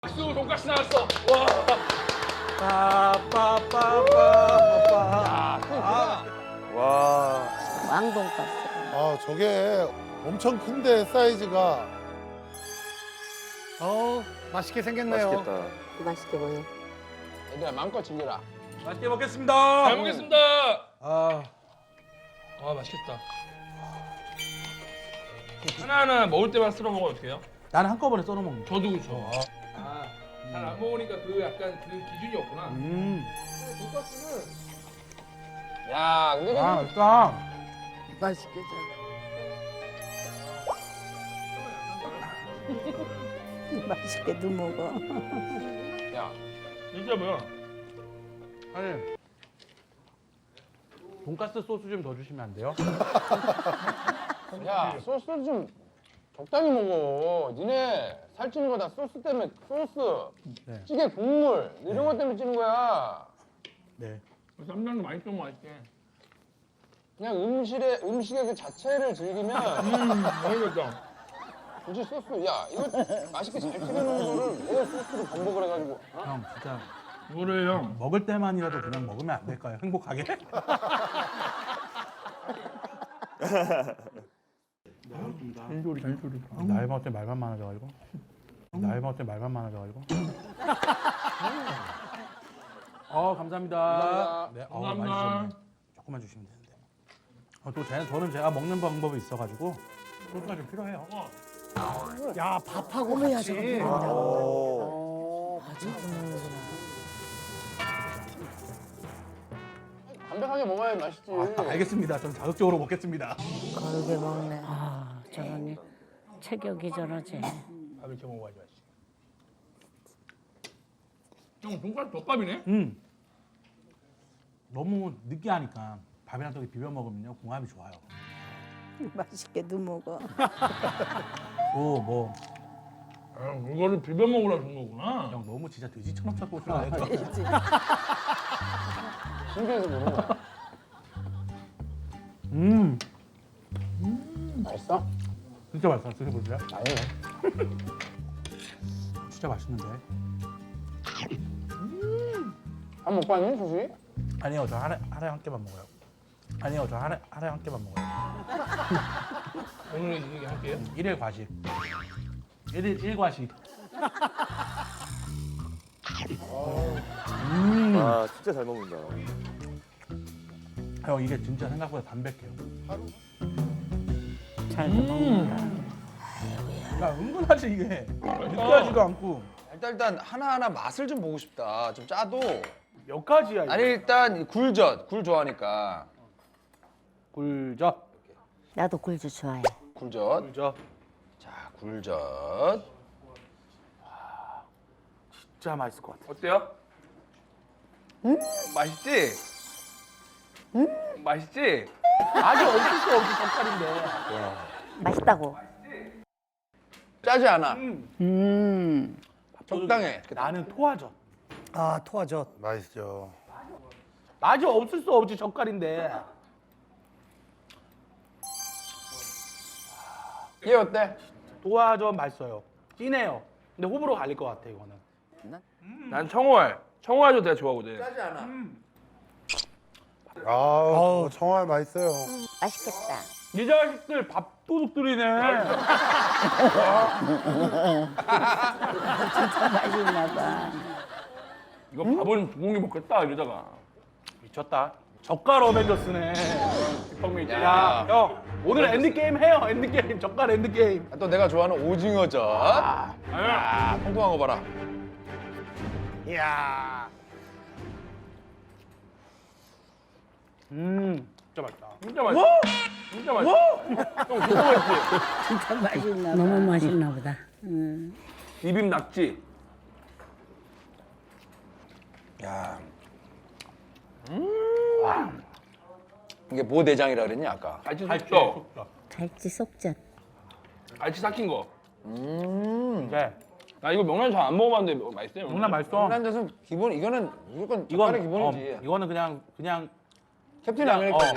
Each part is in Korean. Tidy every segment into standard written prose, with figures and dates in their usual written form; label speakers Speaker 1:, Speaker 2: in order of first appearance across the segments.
Speaker 1: 박수 돈가스 나왔어. 와.
Speaker 2: 빠빠빠빠빠. 와.
Speaker 3: 왕돈가스.
Speaker 4: 아 저게 엄청 큰데 사이즈가.
Speaker 5: 맛있게 생겼네요.
Speaker 2: 맛있겠다.
Speaker 3: 맛있게 보여.
Speaker 1: 얘들아 마음껏 즐겨라.
Speaker 2: 맛있게 먹겠습니다.
Speaker 1: 잘 먹겠습니다.
Speaker 2: 아,
Speaker 1: 맛있겠다. 하나하나 먹을 때만 쓸어 먹어도 돼요?
Speaker 2: 나는 한꺼번에 썰어 먹는 거.
Speaker 1: 저도 그렇죠. 잘 안 먹으니까 그 약간 그 기준이 없구나. 야, 근데
Speaker 2: 아, 맛있다.
Speaker 3: 맛있게 잘. 맛있게도 먹어.
Speaker 1: 야, 진짜 뭐야?
Speaker 2: 아니, 돈가스 소스 좀 더 주시면 안 돼요?
Speaker 1: 야, 소스 좀 적당히 먹어. 니네 살찌는 거 다 소스 때문에 소스,
Speaker 2: 네.
Speaker 1: 찌개 국물 이런 것 때문에 찌는 거야.
Speaker 2: 네.
Speaker 1: 쌈장도 많이 좀 맛있게. 그냥 음식의 그 자체를 즐기면 맛있겠다. 굳이 소스, 야 이거 맛있게 잘 끓여놓은 거를 왜 소스로 반복을 해가지고?
Speaker 2: 형, 진짜
Speaker 1: 뭐래 형?
Speaker 2: 먹을 때만이라도 그냥 먹으면 안 될까요? 행복하게?
Speaker 1: 잔소리.
Speaker 2: 나이 먹을 때 말만 많아져가지고. 감사합니다.
Speaker 1: 감사합니다.
Speaker 2: 네,
Speaker 1: 감사합니다.
Speaker 2: 많이 주셨네. 조금만 주시면 되는데. 저는 제가 먹는 방법이 있어가지고 소스가 좀 필요해요.
Speaker 5: 야, 밥하고 같이.
Speaker 1: 담백하게 먹어야 맛있지.
Speaker 2: 알겠습니다. 저는 자극적으로 먹겠습니다.
Speaker 3: 걸게 먹네. 아, 저러니 체격이 저러지.
Speaker 1: 밥 이렇게 먹어야지 맛있지. 형 돈가스 덮밥이네?
Speaker 2: 너무 느끼하니까 밥이랑 떡에 비벼 먹으면요 궁합이 좋아요.
Speaker 3: 맛있게도 먹어.
Speaker 2: 뭐
Speaker 1: 아, 이거를 비벼 먹으라 준 거구나.
Speaker 2: 형 너무 진짜 돼지처럼 자꾸 오시나요?
Speaker 1: 신기해서 그런 거야. 맛있어?
Speaker 2: 진짜 맛있어. 드셔보세요.
Speaker 1: 아니네.
Speaker 2: 진짜 맛있는데.
Speaker 1: 한 못 봤니 수시?
Speaker 2: 아니요, 저 하루에 한 끼만 먹어요. 하루에 한 끼만 먹어요.
Speaker 1: 오늘 이게 할게요.
Speaker 2: 일일 과식. 일일 과식.
Speaker 6: 아 진짜 잘 먹는다.
Speaker 2: 형 이게 진짜 생각보다 담백해요.
Speaker 3: 잘도 먹는다.
Speaker 2: 야 은근하지 이게. 느끼하지도 않고.
Speaker 7: 일단 하나하나 맛을 좀 보고 싶다. 좀 짜도.
Speaker 2: 몇 가지야 이게.
Speaker 7: 아니 일단 굴 좋아하니까.
Speaker 2: 굴젓.
Speaker 3: 나도 굴주 좋아해.
Speaker 7: 굴젓.
Speaker 2: 굴젓.
Speaker 7: 자, 굴젓.
Speaker 2: 진짜 맛있을 것 같아.
Speaker 1: 어때요?
Speaker 7: 맛있지? 맛있지?
Speaker 2: 아직 없을 수 없이 젓갈인데.
Speaker 3: 맛있다고.
Speaker 7: 짜지 않아.
Speaker 1: 적당해.
Speaker 7: 나는
Speaker 2: 토화젓.
Speaker 5: 아, 토화젓.
Speaker 4: 맛있죠.
Speaker 2: 아직 없을 수 없지 젓갈인데.
Speaker 1: 얘 어때?
Speaker 2: 토화젓 맛있어요. 진해요. 근데 호불호 갈릴 것 같아 이거는.
Speaker 1: 난 청어알. 청어알도 내가 좋아하거든.
Speaker 7: 짜지 않아.
Speaker 4: 아우 청알 맛있어요.
Speaker 3: 맛있겠다.
Speaker 2: 이 자식들 밥도둑들이네.
Speaker 3: 진짜 맛있나 봐.
Speaker 1: 이거 밥은 두 공기 먹겠다 이러다가.
Speaker 2: 미쳤다. 젓갈 어벤져스네. 빅방미
Speaker 7: 야.
Speaker 2: 야, 형 오늘 엔드 게임 해요. 엔드 게임. 젓갈 엔드 게임.
Speaker 7: 또 내가 좋아하는 오징어젓.
Speaker 1: 아니야.
Speaker 7: 통통한 거 봐라.
Speaker 2: 이야. 진짜 맛있다.
Speaker 1: 진짜 맛있어. 진짜 맛있어. 형 진짜 맛있지?
Speaker 3: 진짜 맛있나 봐. 너무 맛있나 보다.
Speaker 1: 비빔 낙지.
Speaker 7: 야. 이게 뭐 내장이라 그랬니 아까?
Speaker 1: 갈치
Speaker 2: 갈치
Speaker 1: 속죠?
Speaker 2: 속젓.
Speaker 3: 갈치 속젓.
Speaker 1: 갈치 삭힌 거.
Speaker 2: 네.
Speaker 1: 나 이거 명란 잘 안 먹어봤는데 맛있어요.
Speaker 2: 정말 맛있어.
Speaker 7: 한 잔은 기본 이거는 무조건 젓갈의 기본이지.
Speaker 2: 이거는 그냥
Speaker 7: 캡틴 아메리카지.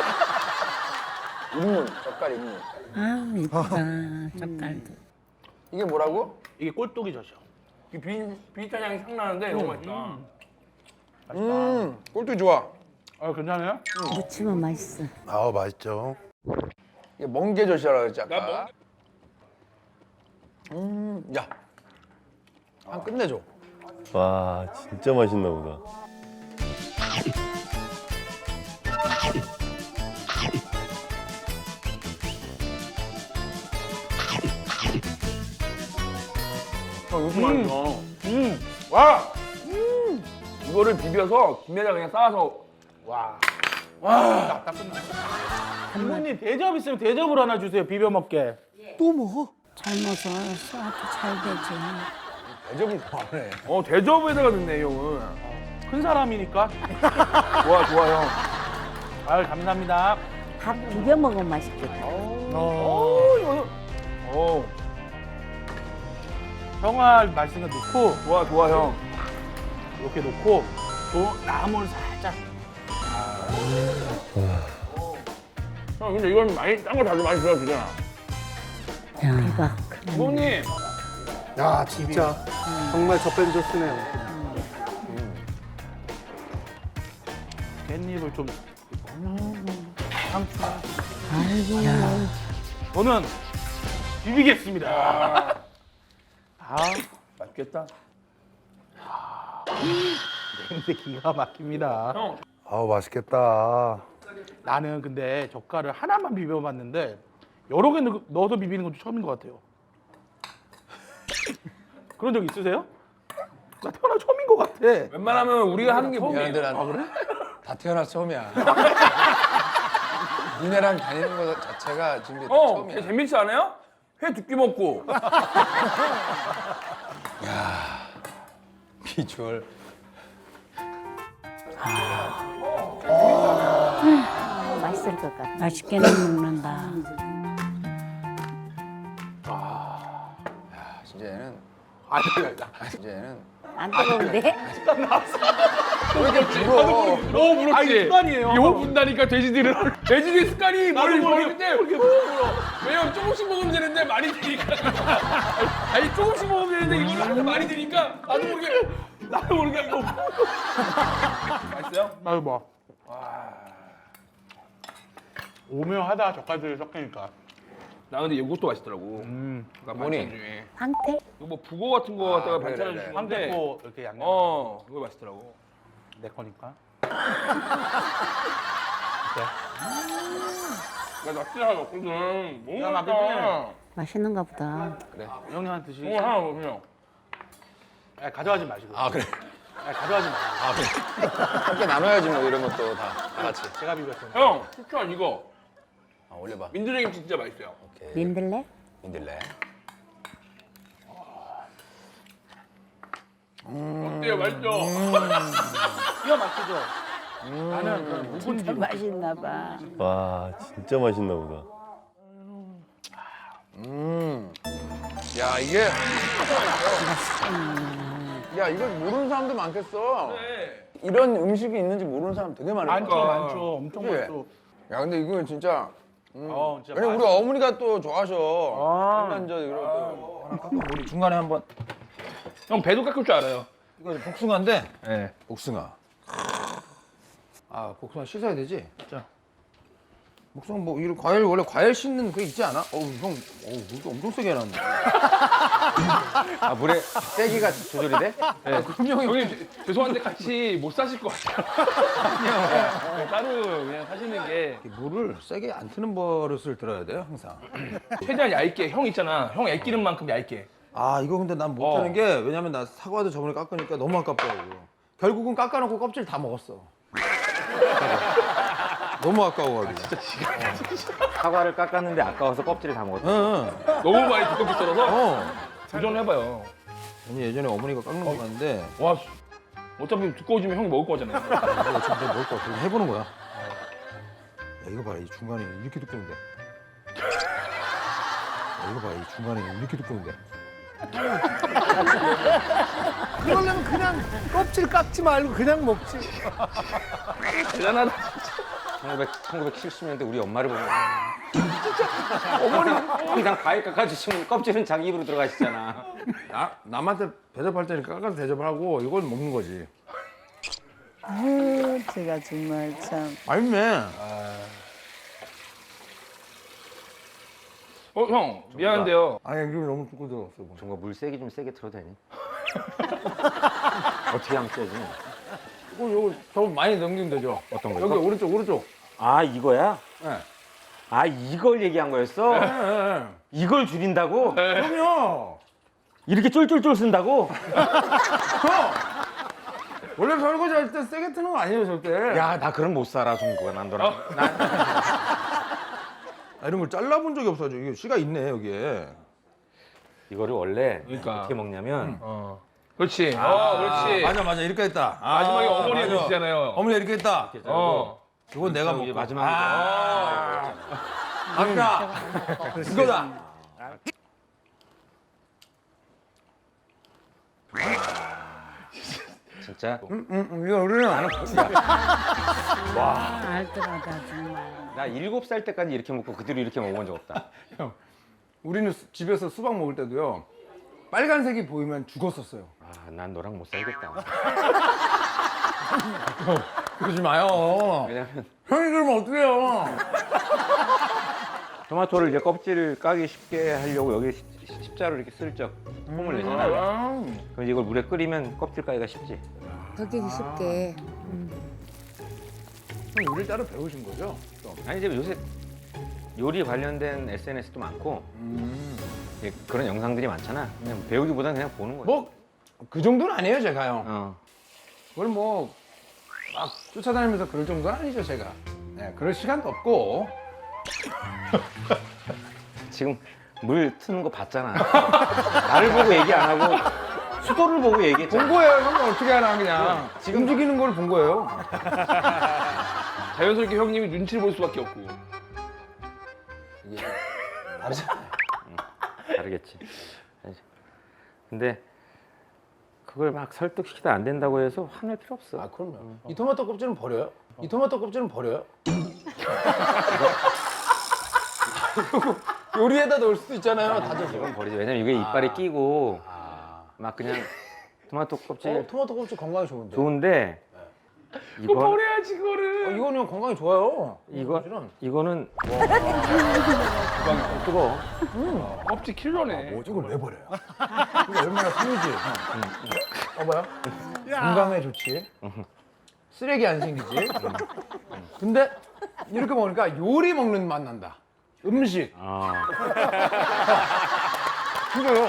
Speaker 7: 입문 젓갈 입문.
Speaker 3: 아우 이쁘다. 젓갈도.
Speaker 1: 이게 뭐라고?
Speaker 2: 이게 꼴뚜기젓이요.
Speaker 7: 이 비슷한 향이 싹 나는데 너무 맛있다.
Speaker 1: 꼴뚜기 좋아.
Speaker 2: 아 괜찮아요?
Speaker 3: 무치면 맛있어.
Speaker 4: 아우 맛있죠.
Speaker 1: 이게 멍게젓이라 그랬지
Speaker 7: 나
Speaker 1: 아까. 야, 한 끝내줘.
Speaker 6: 와, 진짜 맛있나 보다.
Speaker 7: 이거 맛있어. 와! 이거를 비벼서 김에다 그냥 싸서 와.
Speaker 2: 딱 끝나. 부모님 대접 있으면 대접을 하나 주세요. 비벼 먹게.
Speaker 5: 또 뭐?
Speaker 3: 젊어서 소화도 잘 되지.
Speaker 1: 대접을 좋아하네.
Speaker 7: 대접에다가 넣네 형은.
Speaker 2: 큰 사람이니까.
Speaker 7: 좋아 좋아 형.
Speaker 2: 아유 감사합니다.
Speaker 3: 밥 비벼 먹으면 맛있겠다.
Speaker 2: 형아 맛있는 거 넣고
Speaker 7: 좋아 좋아 형.
Speaker 2: 이렇게 놓고 또 나물 살짝.
Speaker 7: 형 근데 이건 많이 딴 거 다들 많이 들어주잖아.
Speaker 3: 대박.
Speaker 7: 부모님.
Speaker 5: 야 진짜 정말 젖뱀 줬으네요.
Speaker 2: 깻잎을 좀 상추.
Speaker 3: 아이고.
Speaker 2: 저는 비비겠습니다. 아
Speaker 7: 맛있겠다.
Speaker 2: 근데 기가 막힙니다.
Speaker 7: 형.
Speaker 4: 아우 맛있겠다.
Speaker 2: 나는 근데 젓갈을 하나만 비벼봤는데 여러 개 넣어서 비비는 것도 처음인 것 같아요. 그런 적 있으세요? 나 태어나 처음인 것 같아.
Speaker 7: 웬만하면 우리가 하는 게 뭐야?
Speaker 1: 미안한데 난
Speaker 2: 그래?
Speaker 1: 다 태어나서 처음이야. 니네랑 다니는 거 자체가 지금
Speaker 7: 걔
Speaker 1: 처음이야.
Speaker 7: 재밌지 않아요? 회 두 끼 먹고.
Speaker 1: 비주얼.
Speaker 3: 맛있을 것 같아. 맛있게는 먹는다.
Speaker 1: 진짜 얘는
Speaker 2: 아니,
Speaker 1: 진짜 얘는
Speaker 3: 안 뜨거운데?
Speaker 1: 왜 이렇게 불어?
Speaker 7: 너무 부럽지?
Speaker 2: 아니, 습관이에요.
Speaker 7: 이거 분다니까 돼지들은. 돼지들 습관이 머리를
Speaker 2: 모르게,
Speaker 7: 먹을 때 왜냐면 조금씩 먹으면 되는데 많이 드니까. 아니 조금씩 먹으면 되는데 이걸 하도 많이 드니까 나도 모르게 이거. 맛있어요?
Speaker 2: 나도 봐. 오묘하다 젓갈들이 섞이니까.
Speaker 7: 나 근데 이것도 맛있더라고. 나
Speaker 1: 뭐니?
Speaker 7: 반찬 중에.
Speaker 3: 황태?
Speaker 7: 이거 뭐 북어 같은 거 갖다가
Speaker 1: 그래,
Speaker 7: 반찬을
Speaker 1: 그래.
Speaker 7: 주는데.
Speaker 2: 황태포 이렇게 양념.
Speaker 7: 이거 맛있더라고.
Speaker 2: 내 거니까.
Speaker 7: 나 납치를 하나 먹거든. 너무
Speaker 2: 야,
Speaker 7: 맛있다.
Speaker 3: 맛있는가 보다.
Speaker 2: 형님한테 드시고.
Speaker 7: 이거 하나 먹으면.
Speaker 2: 가져가지 마시고.
Speaker 1: 아 그래.
Speaker 2: 가져가지 마시고.
Speaker 1: 아 그래. 함께 나눠야지 뭐 이런 것도 다 같이.
Speaker 2: 제가 비볐어요.
Speaker 7: 형 추천 이거.
Speaker 1: 올려봐.
Speaker 7: 민들레김치 진짜 맛있어요.
Speaker 1: 오케이.
Speaker 3: 민들레?
Speaker 1: 민들레.
Speaker 7: 어때요? 맛있죠?
Speaker 2: 기가 막히죠? 나는 그런 묵은지.
Speaker 3: 맛있나 봐.
Speaker 6: 와, 진짜 맛있나 보다.
Speaker 1: 야 이게. 야 이거 모르는 사람도 많겠어.
Speaker 7: 네.
Speaker 1: 이런 음식이 있는지 모르는 사람 되게 많을
Speaker 2: 많죠,
Speaker 1: 거야.
Speaker 2: 많죠. 엄청
Speaker 1: 그치?
Speaker 2: 많죠.
Speaker 1: 야 근데 이거 진짜.
Speaker 2: 진짜
Speaker 1: 왜냐면 우리 어머니가 또 좋아하셔.
Speaker 2: 아.
Speaker 1: 한란젓 이런 거. 하나 깎아 우리 중간에 한번.
Speaker 7: 형 배도 깎을 줄 알아요.
Speaker 1: 이거 복숭아인데.
Speaker 7: 네.
Speaker 1: 복숭아. 아 복숭아 씻어야 되지?
Speaker 2: 자.
Speaker 1: 복숭아 뭐 이런 과일 원래 과일 씻는 그 있지 않아? 형, 물도 엄청 세게 해놨네. 아 물에 세기가 조절이 돼? 네. 그럼
Speaker 7: 형님 죄송한데 같이 못 사실 것 같아요. 네, 따로 그냥 사시는 게
Speaker 1: 물을 세게 안 트는 버릇을 들어야 돼요 항상.
Speaker 7: 최대한 얇게. 형 있잖아. 형 애끼는 만큼 얇게.
Speaker 1: 아 이거 근데 난 못하는 게 왜냐면 나 사과도 저번에 깎으니까 너무 아깝더라고. 결국은 깎아놓고 껍질 다 먹었어. 너무 아까워가지고.
Speaker 6: 사과를 깎았는데 아까워서 껍질을 다 먹었다.
Speaker 1: 응.
Speaker 7: 너무 많이 두껍게 썰어서
Speaker 1: 어.
Speaker 7: 도전해봐요.
Speaker 1: 아니 예전에 어머니가 깎는 거 봤는데
Speaker 7: 와 어차피 두꺼워지면 형이 먹을 거잖아요.
Speaker 1: 이거 어차피 내가 먹을 거 같아. 해보는 거야. 야 이거 봐라 이 중간에 이렇게 두꺼운데. 야, 이거 봐라 이 중간에 이렇게 두꺼운데.
Speaker 5: 그러려면 그냥 껍질 깎지 말고 그냥 먹지.
Speaker 7: 대단하다.
Speaker 1: 1970년대 우리 엄마를 보면
Speaker 6: 항상 과일 깎아주시면 껍질은 자기 입으로 들어가시잖아.
Speaker 1: 남한테 대접할 때는 깎아서 대접하고 이걸 먹는 거지.
Speaker 8: 아유, 제가 정말 참.
Speaker 1: 맛있네.
Speaker 7: 형 미안한데요.
Speaker 1: 아니 이거 너무 두고 들었어. 뭐.
Speaker 6: 정말 물 세게 좀 세게 틀어도 되니? 어떻게 하면 세지?
Speaker 1: 요거 더 많이 넘기면 되죠.
Speaker 6: 어떤 거?
Speaker 1: 여기
Speaker 6: 이거?
Speaker 1: 오른쪽.
Speaker 6: 아 이거야?
Speaker 1: 네.
Speaker 6: 아 이걸 얘기한 거였어?
Speaker 1: 네.
Speaker 6: 이걸 줄인다고?
Speaker 1: 그럼요.
Speaker 6: 이렇게 쫄쫄쫄 쓴다고?
Speaker 1: 원래 설거지 할 때 세게 트는 거 아니에요 절대.
Speaker 6: 야 나 그럼 못 살아 중국어 난 너랑.
Speaker 1: 이런 걸 잘라본 적이 없어요. 이게 씨가 있네 여기에.
Speaker 6: 이거를 원래
Speaker 7: 그러니까.
Speaker 6: 어떻게 먹냐면
Speaker 7: 그렇지. 그렇지.
Speaker 1: 맞아 이렇게 했다.
Speaker 7: 마지막에 어머니
Speaker 1: 맞아.
Speaker 7: 해주시잖아요.
Speaker 1: 어머니 이렇게 했다. 이건 내가
Speaker 6: 이게
Speaker 1: 먹고.
Speaker 6: 마지막에
Speaker 1: 아까 이거다.
Speaker 6: 진짜
Speaker 1: 이거 우리는 안 먹고.
Speaker 3: 알뜰하다 정말.
Speaker 6: 나 7살 때까지 이렇게 먹고 그대로 이렇게 먹어본 적 없다.
Speaker 1: 우리는 집에서 수박 먹을 때도요. 빨간색이 보이면 죽었었어요.
Speaker 6: 아 난 너랑 못 살겠다.
Speaker 1: 그러지 마요.
Speaker 6: 왜냐면
Speaker 1: 형이 그러면 어떡해요.
Speaker 6: 토마토를 이제 껍질을 까기 쉽게 하려고 여기 십자로 이렇게 슬쩍 홈을 내잖아. 그럼 이제 이걸 물에 끓이면 껍질 까기가 쉽지.
Speaker 3: 걷기 쉽게.
Speaker 1: 형 요리 따로 배우신 거죠? 또.
Speaker 6: 아니 이제 요새 요리 관련된 SNS도 많고 이제 그런 영상들이 많잖아. 그냥 배우기보다는 그냥 보는 거야.
Speaker 1: 뭐 그 정도는 아니에요 제가요.
Speaker 6: 어.
Speaker 1: 그걸 뭐 막 쫓아다니면서 그럴 정도는 아니죠 제가. 네, 그럴 시간도 없고.
Speaker 6: 지금 물 트는 거 봤잖아. 나를 보고 얘기 안 하고 수도를 보고
Speaker 1: 본
Speaker 6: 얘기했잖아.
Speaker 1: 거예요. 형은 어떻게 하나 그냥 지금 움직이는 걸 본 거예요.
Speaker 7: 자연스럽게 형님이 눈치를 볼 수밖에 없고.
Speaker 6: 다르겠지. 근데 그걸 막 설득시키다 안 된다고 해서 화낼 필요 없어.
Speaker 1: 아 그럼요. 이 토마토 껍질은 버려요? 이 토마토 껍질은 버려요? 요리에다 넣을 수도 있잖아요. 다져서.
Speaker 6: 이건 버리지. 왜냐면 이게 이빨에 끼고 막 그냥 토마토 껍질
Speaker 1: 토마토 껍질 건강에 좋은데.
Speaker 6: 좋은데
Speaker 7: 그거
Speaker 6: 이건
Speaker 7: 버려야지 그거를.
Speaker 1: 이거는 건강에 좋아요.
Speaker 6: 이거는 와 뜨거.
Speaker 7: 껍질 킬러네.
Speaker 1: 이걸 왜 버려요? 이거 얼마나 편이지. 봐봐요. 건강에 좋지. 쓰레기 안 생기지. 근데 이렇게 먹으니까 요리 먹는 맛 난다. 음식.
Speaker 6: 아.
Speaker 1: 그래요.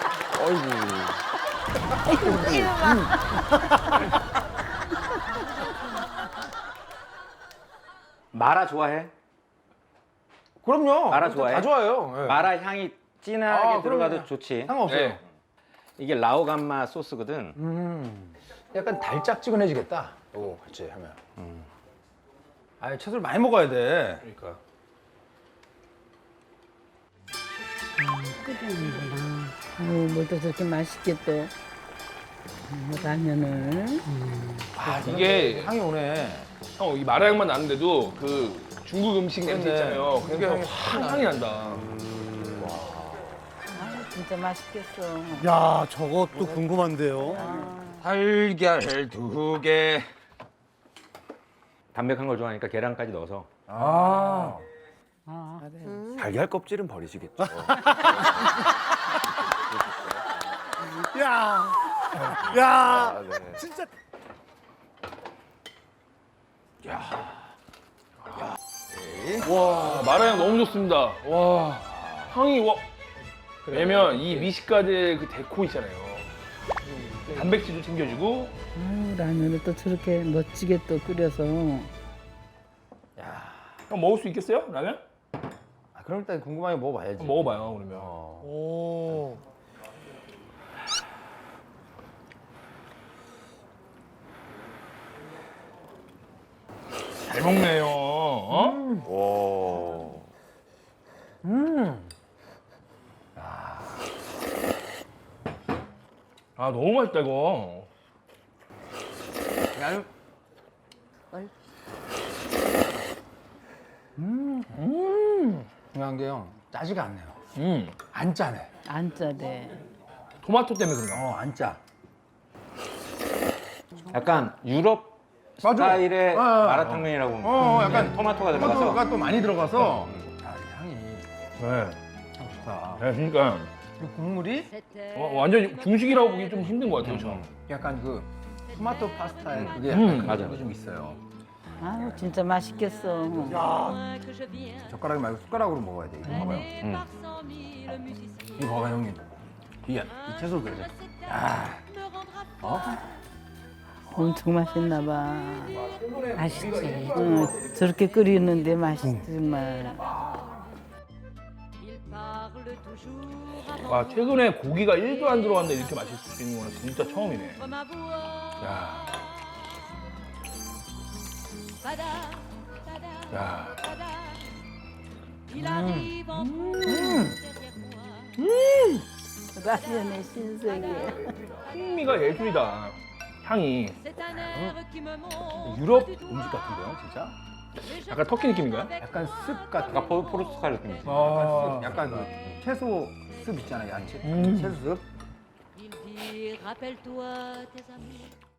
Speaker 6: 마라 좋아해?
Speaker 1: 그럼요.
Speaker 6: 마라 좋아해?
Speaker 1: 다 좋아요. 예.
Speaker 6: 마라 향이 진하게
Speaker 1: 아,
Speaker 6: 들어가도
Speaker 1: 그럼요.
Speaker 6: 좋지.
Speaker 1: 상관없어요.
Speaker 7: 네.
Speaker 6: 이게 라오감마 소스거든.
Speaker 1: 약간 달짝지근해지겠다. 오, 같이 하면. 아, 채소를 많이 먹어야 돼.
Speaker 7: 그러니까.
Speaker 3: 끓이는구나. 아유, 뭘또 저렇게 맛있게 또 라면을.
Speaker 7: 이게
Speaker 1: 향이 오네.
Speaker 7: 형 이 마라 향만 나는데도 그 중국 음식 냄새
Speaker 1: 그러네.
Speaker 7: 있잖아요.
Speaker 1: 그게
Speaker 7: 그래서
Speaker 1: 향이
Speaker 7: 확 향이 난다.
Speaker 3: 아유, 진짜 맛있겠어.
Speaker 5: 야, 저것도 궁금한데요.
Speaker 6: 달걀 2개. 담백한 걸 좋아하니까 계란까지 넣어서.
Speaker 1: 아.
Speaker 6: 달걀 껍질은 버리시겠죠.
Speaker 5: 야, 야, 진짜.
Speaker 7: 와 마라 향 너무 좋습니다. 와 향이 와. 왜냐면 이 미식가들 그 데코 있잖아요. 단백질도 챙겨주고.
Speaker 3: 아유, 라면을 또 저렇게 멋지게 또 끓여서.
Speaker 7: 형 먹을 수 있겠어요? 라면?
Speaker 1: 아, 그럼 일단 궁금하게 먹어봐야지.
Speaker 7: 한번 먹어봐요 그러면.
Speaker 5: 오.
Speaker 7: 잘 먹네요. 어? 아 너무 맛있다 이거.
Speaker 1: 야,
Speaker 5: 중요한 게요. 짜지가 않네요. 안 짜네.
Speaker 8: 안 짜대.
Speaker 7: 토마토 때문에 그런가?
Speaker 5: 안 짜.
Speaker 6: 약간 유럽
Speaker 5: 맞아.
Speaker 6: 스타일의
Speaker 5: 어,
Speaker 6: 마라탕면이라고 보면
Speaker 5: 약간
Speaker 6: 토마토가 들어가서
Speaker 5: 토마토가 또 많이 들어가서 향이
Speaker 7: 네.
Speaker 5: 좋다.
Speaker 7: 네, 그러니까
Speaker 5: 그리고 국물이
Speaker 7: 완전 중식이라고 보기 좀 힘든 것 같아요, 저.
Speaker 5: 약간 그 토마토 파스타에 그게 약간
Speaker 6: 맞아.
Speaker 5: 그게 좀 있어요.
Speaker 8: 아유 진짜 맛있겠어.
Speaker 5: 젓가락이 말고 숟가락으로 먹어야 돼. 이거 봐봐요. 이거 봐봐 형님. 이 채소 그래.
Speaker 8: 엄청 맛있나 봐.
Speaker 3: 맛있지.
Speaker 8: 응, 저렇게 끓이는데 맛있지 정말.
Speaker 7: 와, 최근에 고기가 1도 안 들어갔는데 이렇게 맛있을 수 있는 거는 진짜 처음이네. 야. 야.
Speaker 8: 라면의 신세계.
Speaker 7: 풍미가 예술이다. 향이.
Speaker 5: 유럽 음식 같은데요, 진짜?
Speaker 7: 약간 터키 느낌인가요?
Speaker 5: 약간 습 같은.
Speaker 6: 약간 포르투갈 느낌이지.
Speaker 7: 아.
Speaker 5: 약간 그 채소 습 있잖아요, 야채. 채소 습.
Speaker 9: Il dit, rappelle-toi tes amis.